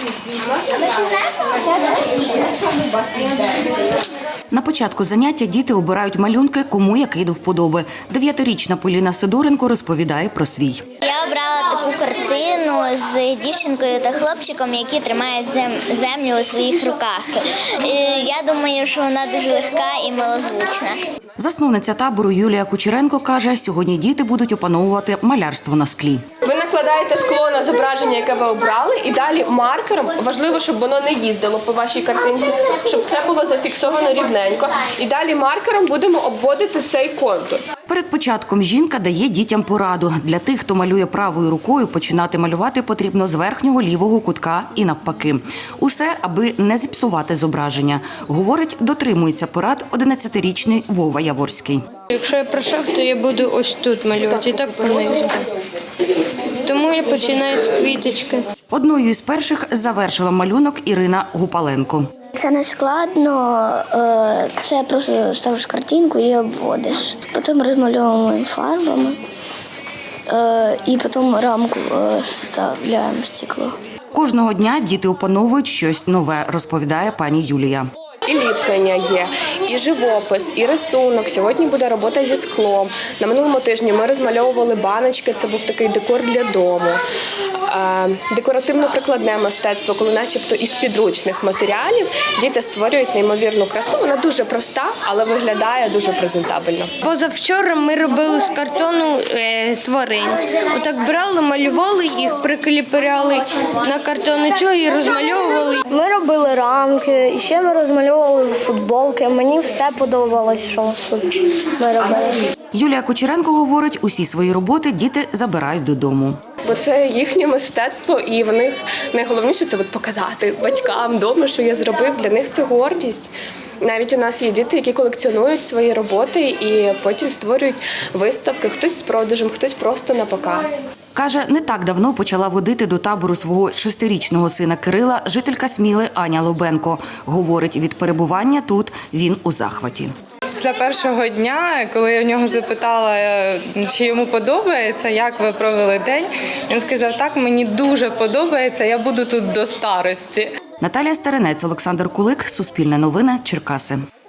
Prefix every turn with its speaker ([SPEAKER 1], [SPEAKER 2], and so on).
[SPEAKER 1] На початку заняття діти обирають малюнки, кому який до вподоби. 9-річна Поліна Сидоренко розповідає про свій.
[SPEAKER 2] Я обрала таку картину з дівчинкою та хлопчиком, які тримають землю у своїх руках. Я думаю, що вона дуже легка і милозвучна.
[SPEAKER 1] Засновниця табору Юлія Кучеренко каже, сьогодні діти будуть опановувати малярство на склі.
[SPEAKER 3] Ви накладаєте скло на зображення, яке ви обрали, і далі маркером, важливо, щоб воно не їздило по вашій картинці, щоб все було зафіксовано рівненько. І далі маркером будемо обводити цей контур.
[SPEAKER 1] Перед початком жінка дає дітям пораду. Для тих, хто малює правою рукою, починати малювати потрібно з верхнього лівого кутка і навпаки. Усе, аби не зіпсувати зображення. Говорить, дотримується порад 11-річний Вова Яворський.
[SPEAKER 4] Якщо я пройшов, то я буду ось тут малювати, і так понизу. Тому я починаю з квіточки.
[SPEAKER 1] Одною із перших завершила малюнок Ірина Гупаленко.
[SPEAKER 2] Це не складно, це просто ставиш картинку і обводиш. Потім розмальовуємо фарбами і потім рамку вставляємо стекло.
[SPEAKER 1] Кожного дня діти опановують щось нове, розповідає пані Юлія.
[SPEAKER 3] І ліплення є, і живопис, і рисунок. Сьогодні буде робота зі склом. На минулому тижні ми розмальовували баночки, це був такий декор для дому. Декоративно-прикладне мистецтво, коли начебто із підручних матеріалів діти створюють неймовірну красу. Вона дуже проста, але виглядає дуже презентабельно.
[SPEAKER 4] Позавчора ми робили з картону тварин. Отак брали, малювали їх, прикріпляли на картонницю і розмальовували.
[SPEAKER 5] Ми робили рамки, і ще ми розмальовували футболки. Мені все подобалось, що тут ми робили.
[SPEAKER 1] Юлія Кучеренко говорить, усі свої роботи діти забирають додому.
[SPEAKER 3] Бо це їхнє мистецтво, і в них найголовніше – це показати батькам вдома, що я зробив. Для них це гордість. Навіть у нас є діти, які колекціонують свої роботи і потім створюють виставки. Хтось з продажем, хтось просто на показ.
[SPEAKER 1] Каже, не так давно почала водити до табору свого 6-річного сина Кирила жителька Сміли Аня Лобенко. Говорить, від перебування тут він у захваті.
[SPEAKER 6] Після першого дня, коли я в нього запитала, чи йому подобається, як ви провели день, він сказав, так, мені дуже подобається, я буду тут до старості.
[SPEAKER 1] Наталія Старинець, Олександр Кулик, Суспільне новини, Черкаси.